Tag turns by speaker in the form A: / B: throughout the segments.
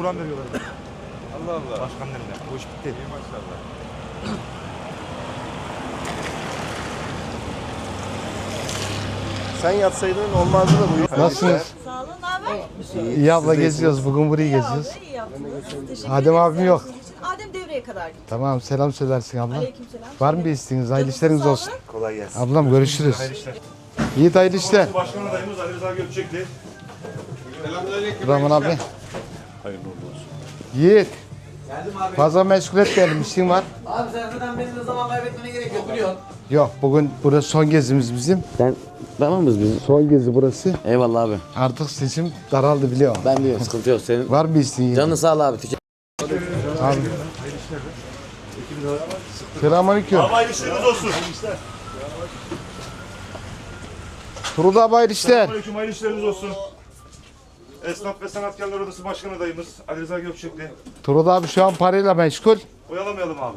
A: Kur'an veriyorlar.
B: Allah Allah.
A: Başkanın eline. Bu iş bitti.
B: İyi maşallah.
C: Sen yatsaydın olmazdı da bu.
D: Nasılsınız?
E: Sağ olun, ne haber?
D: İyi abla geziyoruz. Bugün burayı geziyoruz.
E: İyi yaptınız. Teşekkür
D: Adem
E: ederim
D: abim yok.
E: ziyaretiniz için. Adem devreye kadar gitti.
D: Tamam selam söylersin abla.
E: Aleykümselam.
D: Var mı bir isteğiniz? Hayırlı işleriniz olsun.
C: Kolay gelsin.
D: Ablam görüşürüz.
A: Hayırlı işler.
D: Yiğit hayırlı işler.
A: Başkan adayımız Ali Rıza Gökçekli.
D: Rahman abi.
B: Hayırlı olsun.
D: Yiğit. Fazla meşgul etmeyelim. İşin var.
F: Abi sen zaten benimle zaman kaybetmene gerek yok biliyorsun.
D: Yok bugün burası son gezimiz bizim.
F: Tamamız biz.
D: Son gezi burası.
F: Eyvallah abi.
D: Artık seçim daraldı biliyorum.
F: Ben biliyorum sıkıntı yok. Senin
D: Var mı bir isteğin? Yiğit?
F: canın sağ ol abi.
D: Abi. Selamünaleyküm.
A: Hayırlı işleriniz olsun.
D: Turul abi hayırlı işler.
A: Aleyküm, hayırlı işleriniz olsun. Esnaf ve Sanatkarlar Odası Başkan adayımız Ali Rıza Gökçekli.
D: Turul abi şu an parayla meşgul.
A: Oyalamayalım abi.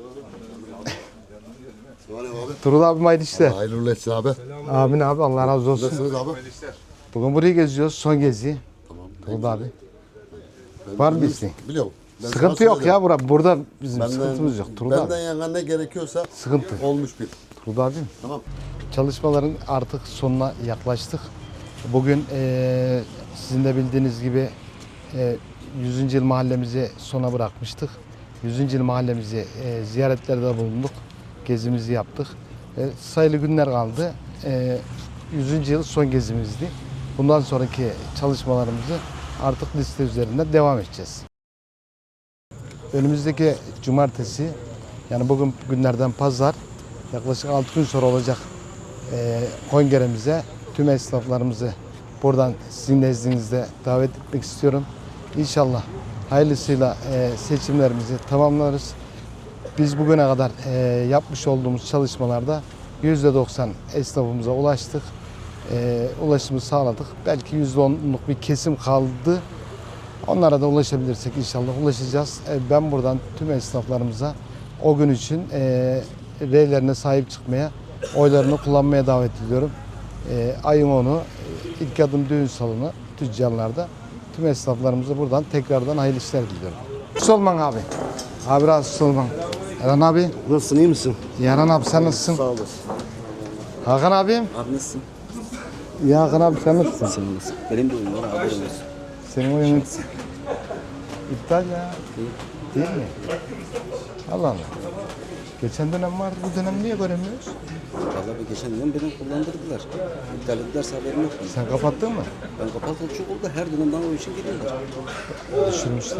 D: Turul abi hayırlı işler.
C: Hayırlı olsun abi.
D: Amin abi Allah razı olsun.
C: Nasılsınız abi?
D: Bugün burayı geziyoruz. Son gezi. Turul abi. Var mı bir isteğin?
C: Biliyorum. Ben
D: Sıkıntı
C: sana
D: yok
C: söyleyeyim.
D: ya burada bizim sıkıntımız yok. Turul
C: Benden
D: abi.
C: yana ne gerekiyorsa
D: Sıkıntı.
C: olmuş bir.
D: Turul abi.
C: Tamam.
D: Çalışmaların artık sonuna yaklaştık. Bugün sizin de bildiğiniz gibi 100. yıl mahallemizi sona bırakmıştık. 100. yıl mahallemizi ziyaretlerde bulunduk. Gezimizi yaptık. Sayılı günler kaldı. 100. yıl son gezimizdi. Bundan sonraki çalışmalarımızı artık liste üzerinde devam edeceğiz. Önümüzdeki cumartesi, yani bugün günlerden pazar, yaklaşık 6 gün sonra olacak kongremize tüm esnaflarımızı buradan sizin nezdinizde davet etmek istiyorum. İnşallah hayırlısıyla seçimlerimizi tamamlarız. Biz bugüne kadar yapmış olduğumuz çalışmalarda %90 esnafımıza ulaştık. Ulaşımı sağladık. Belki %10'luk bir kesim kaldı. Onlara da ulaşabilirsek inşallah ulaşacağız. Ben buradan tüm esnaflarımıza o gün için reylerine sahip çıkmaya, oylarını kullanmaya davet ediyorum. Ayın 10'u ilk adım düğün salonu tüccarlarda tüm esnaflarımıza buradan tekrardan hayırlı işler diliyorum. Solman abi. Abi razı olman. Erhan abi.
C: Nasılsın, iyi misin?
D: Erhan abi sen nasılsın?
C: Sağ olasın.
D: Hakan abim.
F: Abi nasılsın?
D: Ya Hakan abi sen nasılsın?
F: Sen nasılsın? Benim de oyun var abi. Olsun.
D: Senin oyunun iptal ya. Değil mi? Allah Allah. Geçen dönem vardı, bu dönem niye göremiyoruz?
F: Vallahi bir geçen dönem beni kullandırdılar. İptal ettilerse haberim yok.
D: Sen kapattın mı?
F: Ben kapatalı çok oldu. Her dönem bana o için geliyorlar.
D: Düşürmüşler.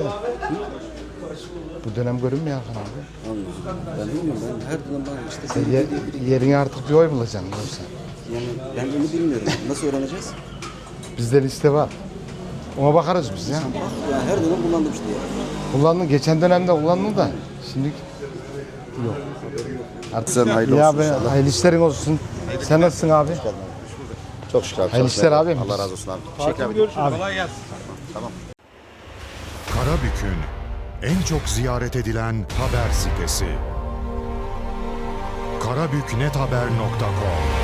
D: Bu dönem görünmüyor Hakan abi.
F: Allah. Ben bilmiyorum. Ben her dönem bana işte
D: Sen
F: sen
D: yerine artık bir oy bulacaksın yoksa.
F: yani ben onu bilmiyorum. Nasıl öğreneceğiz?
D: Bizde liste var. Ona bakarız biz ya.
F: Yani her dönem kullandım işte ya.
D: Kullandın, geçen dönemde kullandın da şimdi yok. Artık
C: Sen hayırlı
D: ya
C: olsun
D: be,
C: inşallah.
D: hayırlı işlerin olsun. Sen nasılsın abi?
C: Çok şükür abi.
D: Hayırlı işler abi.
C: Allah razı olsun abi. Teşekkür ederim.
B: Kolay gelsin.
G: Karabük'ün en çok ziyaret edilen haber sitesi. karabüknethaber.com